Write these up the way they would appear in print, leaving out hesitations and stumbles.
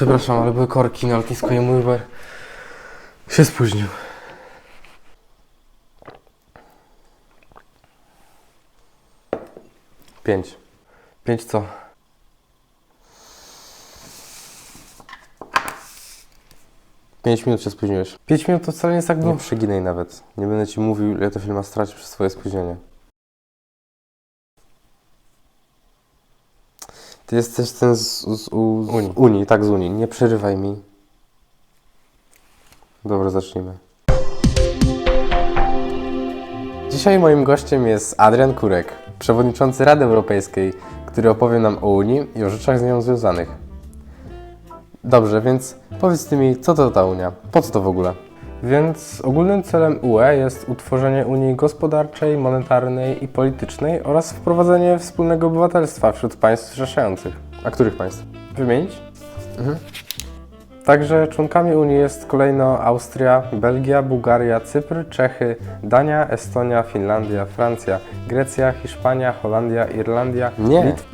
Przepraszam, ale były korki na lotnisku i mój Uber się spóźnił. Pięć. Pięć co? Pięć minut się spóźniłeś. 5 minut to wcale nie jest tak dużo. Nie przeginaj nawet. Nie będę ci mówił, ile to firma straci przez swoje spóźnienie. Ty jesteś ten z Unii. Tak, z Unii. Nie przerywaj mi. Dobra, zacznijmy. Dzisiaj moim gościem jest Adrian Kurek, przewodniczący Rady Europejskiej, który opowie nam o Unii i o rzeczach z nią związanych. Dobrze, więc powiedz ty mi, co to ta Unia? Po co to w ogóle? Więc ogólnym celem UE jest utworzenie Unii gospodarczej, monetarnej i politycznej oraz wprowadzenie wspólnego obywatelstwa wśród państw zrzeszających. A których państw? Wymienić? Także członkami Unii jest kolejno Austria, Belgia, Bułgaria, Cypr, Czechy, Dania, Estonia, Finlandia, Francja, Grecja, Hiszpania, Holandia, Irlandia, Litwa.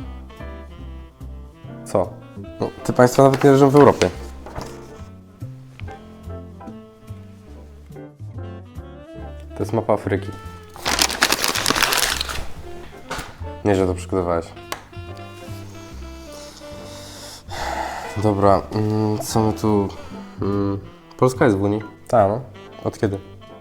Co? No, te państwa nawet nie leżą w Europie. To jest mapa Afryki. Nieźle to przygotowałeś. Dobra, co my tu... Polska jest w Unii? Tak, no. Od kiedy?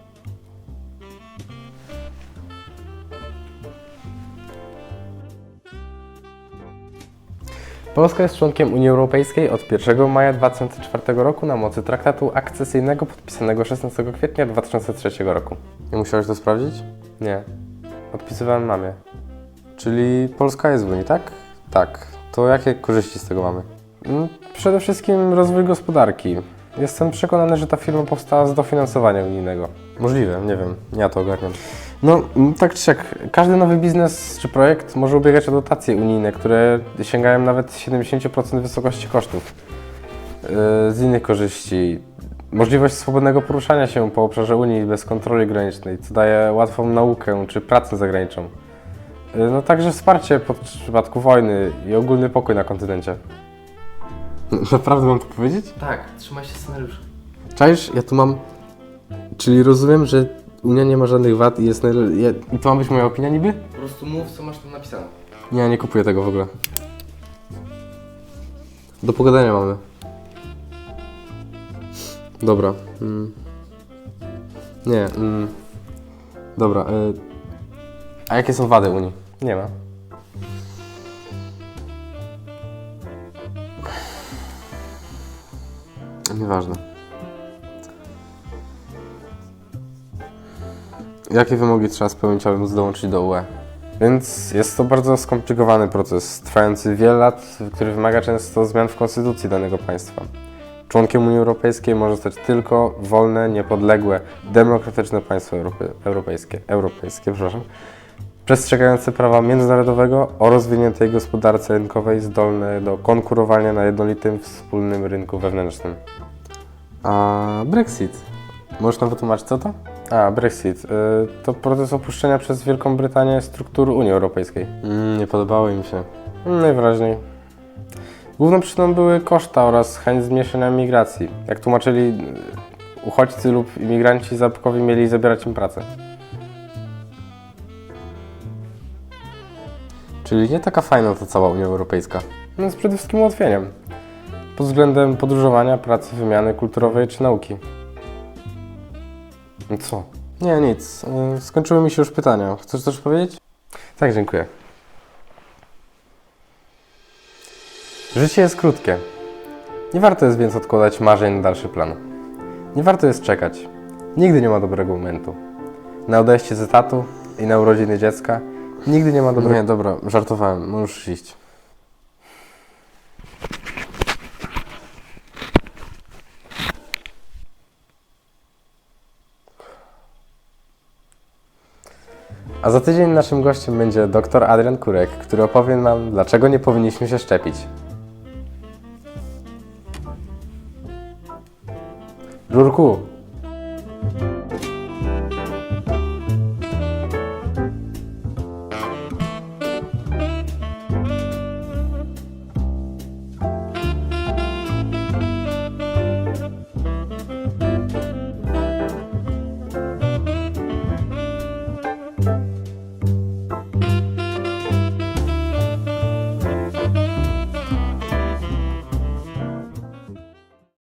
Polska jest członkiem Unii Europejskiej od 1 maja 2004 roku na mocy traktatu akcesyjnego podpisanego 16 kwietnia 2003 roku. Nie musiałeś to sprawdzić? Nie. Odpisywałem mamie. Czyli Polska jest w Unii, tak? Tak. To jakie korzyści z tego mamy? Przede wszystkim rozwój gospodarki. Jestem przekonany, że ta firma powstała z dofinansowania unijnego. Możliwe, nie wiem, ja to ogarniam. No, tak czy siak, każdy nowy biznes czy projekt może ubiegać o dotacje unijne, które sięgają nawet 70% wysokości kosztów. Z innych korzyści, możliwość swobodnego poruszania się po obszarze Unii bez kontroli granicznej, co daje łatwą naukę czy pracę zagraniczną. No także wsparcie w przypadku wojny i ogólny pokój na kontynencie. Naprawdę mam to powiedzieć? Tak, trzymaj się scenariusza. Czaisz? Ja tu mam... Czyli rozumiem, że Unia nie ma żadnych wad i jest I to ma być moja opinia niby? Po prostu mów, co masz tam napisane. Nie kupuję tego w ogóle. Do pogadania mamy. Dobra. Nie. Dobra. A jakie są wady Unii? Nie ma. Nieważne. Jakie wymogi trzeba spełnić, aby móc dołączyć do UE? Więc jest to bardzo skomplikowany proces, trwający wiele lat, który wymaga często zmian w konstytucji danego państwa. Członkiem Unii Europejskiej może zostać tylko wolne, niepodległe, demokratyczne państwo europejskie, przestrzegające prawa międzynarodowego o rozwiniętej gospodarce rynkowej, zdolne do konkurowania na jednolitym wspólnym rynku wewnętrznym. A Brexit? Możesz nam wytłumaczyć, co to? Brexit. To proces opuszczenia przez Wielką Brytanię struktur Unii Europejskiej. Nie podobało im się. Najwyraźniej. Główną przyczyną były koszta oraz chęć zmniejszenia migracji. Jak tłumaczyli, uchodźcy lub imigranci zarobkowi mieli zabierać im pracę. Czyli nie taka fajna ta cała Unia Europejska. Więc przede wszystkim ułatwieniem. Pod względem podróżowania, pracy, wymiany kulturowej czy nauki. Co? Nie, nic. Skończyły mi się już pytania. Chcesz coś powiedzieć? Tak, dziękuję. Życie jest krótkie. Nie warto jest więc odkładać marzeń na dalszy plan. Nie warto jest czekać. Nigdy nie ma dobrego momentu. Na odejście z etatu i na urodziny dziecka nigdy nie ma dobrego... Nie, dobra, żartowałem. Możesz iść. A za tydzień naszym gościem będzie dr Adrian Kurek, który opowie nam, dlaczego nie powinniśmy się szczepić. Żurku!